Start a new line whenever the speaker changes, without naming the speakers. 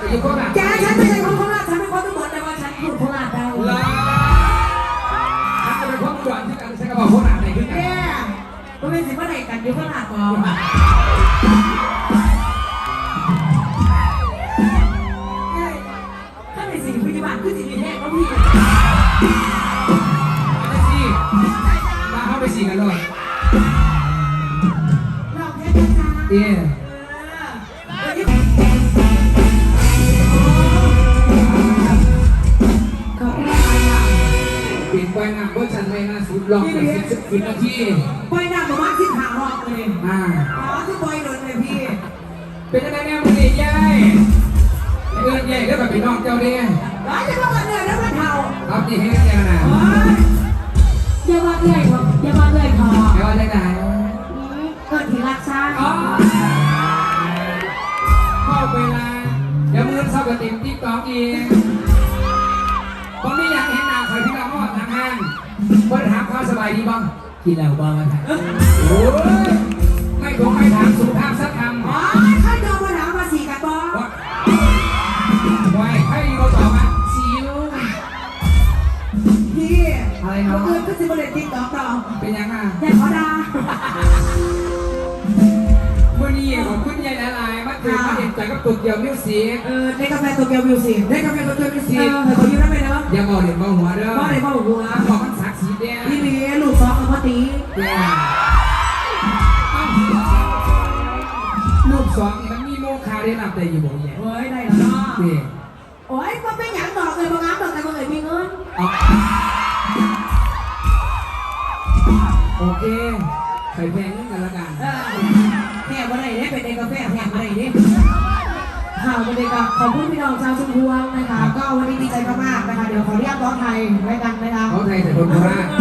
อยู่โคราช
แกฉันไม่ใช่คนโคราชฉันเป็นคนทุกคนแต่ว่าฉันพูดโคราชได้
ฉันจะเป็นคนอุดรที่กันฉันก็บอกโคราชไหนขึ้นกัน
ก็เป็นสิ่งว่าไหนกันอยู่โคราชก่อนถ้าเป็นสิ่งพิธีบัติคือสิ่งที่แท้ก็พี่
ไปสิมาเข้าไปสิกันเลย
เราแค่จ้า
เย่ปิดไฟหน้าเพื่อฉันไม่น่าสุดลองไป10 นาที
ไฟหน้าประมาณ15 รอบเลยคือไฟโดนเลยพี่
เป็นยังไงแม่มึงดีใหญ่เอื้อนใหญ่แล้วแบบพี่น้องเจ้าเนี่ย
ร้ายจะต้องกันเลยแล้วมันเท่า
ครับนี่ให้แกนะ
อย่าว่าเอื่อยครับอย่าว่าเอื่อยพอ
อย่าว่าได้ไหน
เกิดที่รักชาติ
พ่อเวลาเดี๋ยวมือเข้ากับติ่มติ๊กต๊อกเองผมไม่อยากเห็นหน้าใครพี่น้องว่าทางห้างคนถามเขาสบายดีบ้างกินแล้วบ้างไหมโอ้ยไม่คงไม่ถามสุภาพสักคำ
ข้าโดนมาถามมาสีกันบ้าง
ไว้ให้เราตอบมาสีลูก
พี่
อะไรเนาะ
ก็จะมาเล่นติ๊กต๊อกต่อ
เป็นยังไง
แต่ขอดา
วันนี้ขอบคุณยายหลายๆมาถึงมาเห็นใจกับตัวเกียวมิวสิก
ในกาแฟตัวเกียวมิวสิก
ในกาแฟตัวเกียวมิวสิก
ขอยืมได้ไหมเนาะ
อย่าบอกเด็กบอกหัวเด้อ
บอกเด็กบอกหัว
บอกมันสักสีแดง
พี่มีลูกซองกับพ่อตี
ลูกสองมันมีโมคาได้รับได้อยู่บ่แย่
เฮ้ยได้แล้วเนาะโอ้ยก็ไม่อยากบอกเลยบางงานบอกแต่บางเลยมีเงิน
โอเคใส่แพงนิดกันละกัน
แค่วันไหนเนี่ยเป็นเด็กกาแฟแค่วันไหนเนี่ยข่าววันเด็กกับขอบคุณพี่น้องชาวชุมพวงนะคะก็วันนี้ดีใจมากๆนะคะเดี๋ยวขออนุญาตร้องไทยไว้กันนะคะ
ร้องไทยแต่คนโคราช